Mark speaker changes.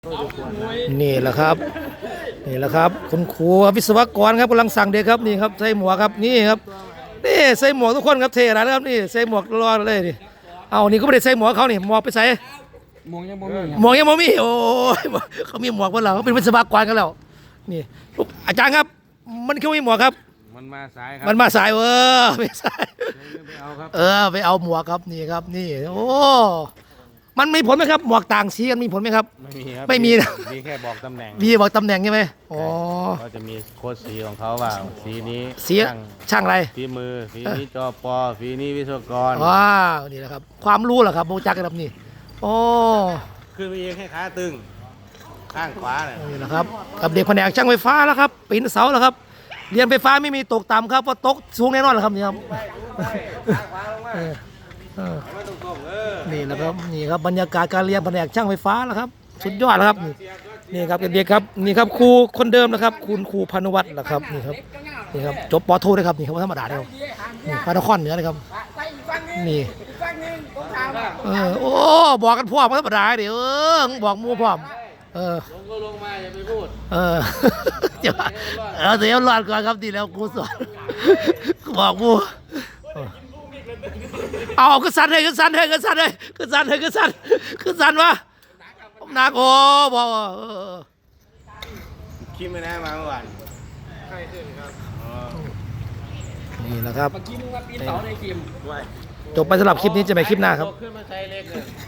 Speaker 1: นี่แหละครับนี่แหละครับคุณครูวิศวกรครับกำลังสั่งเด็กครับนี่ครับใส่หมวกครับนี่ครับนี่ใส่หมวกทุกคนครับเท่นะครับนี่ใส่หมวกรอเลยนี่เอานี่ก็ไม่ได้ใส่หมวกเขานี่หมวกไปใส่
Speaker 2: มองยังบ่มี
Speaker 1: หมวกยังไม่มีโอ้ยเขามีหมวกกันแล้วเขาเป็นวิศวกรกันแล้วนี่อาจารย์ครับมันเขามีหมวกครับ
Speaker 2: มันมาสายครับ
Speaker 1: มันมาสายไม่สาย
Speaker 2: ไปเอาครับ
Speaker 1: ไปเอาหมวกครับนี่ครับนี่โอ้มันมีผลไหมครับหมวกต่างสีกันมีผลไหมครับ
Speaker 2: ไม่มีครับ
Speaker 1: ไม่มีนะ
Speaker 2: มีแค่บอกตำแหน่ง
Speaker 1: มีบอกตำแหน่งใช่ไหมอ๋อ
Speaker 2: เขาจะมีโค้ดสีของเขาว่าสีนี้
Speaker 1: สีช่างอะไร
Speaker 2: ฝีมือสีนี้จปสีนี้วิศวกร
Speaker 1: ว้าวนี่แหละครับความรู้เหรอครับโบจักกันครับนี่โอ้
Speaker 2: ขึ้นไปเองให้ขาตึงข้างขวาเนี่ย
Speaker 1: นี่แหละครับกับเด็กแผนกช่างไฟฟ้าแล้วครับปีนเสาแล้วครับเรียนไฟฟ้าไม่มีตกต่ำครับเพราะตกสูงแน่นอนแหละครับนี่ครับนี่แหละครับนี่ครับบรรยากาศการเรียนแผนกช่างไฟฟ้าแล้วครับสุดยอดแล้วครับนี่ครับเด็กๆครับนี่ครับครูคนเดิมนะครับคุณครูพานุวัฒน์นะครับนี่ครับจบป.โทด้วยครับนี่ครับธรรมดาเดียวนี่พระนครเหนือเลยครับนี่โอ้บอกกันพร้อมธรรมดาเดี๋ยวบอกมูพร้อม
Speaker 2: ลงก็ลงมาอย่าไปพูด
Speaker 1: เดี๋ยวรอดก่อนครับดีแล้วครูสอนบอกมูเอาขึ้นสันเลยขึ้นสันเลยขึ้นสันเลยขึ้นสันเลยขึ้นสันขึ้นสันวะหนักโอ้บอก
Speaker 2: คิดไม่ได้มาเมื่อวานใครขึ้นครับ
Speaker 1: นี่แหละครับ
Speaker 2: เมื่อกี้มึงมาปีนเสาในคิม
Speaker 1: จบไปสำหรับคลิปนี้จะไปคลิปหน้าครับ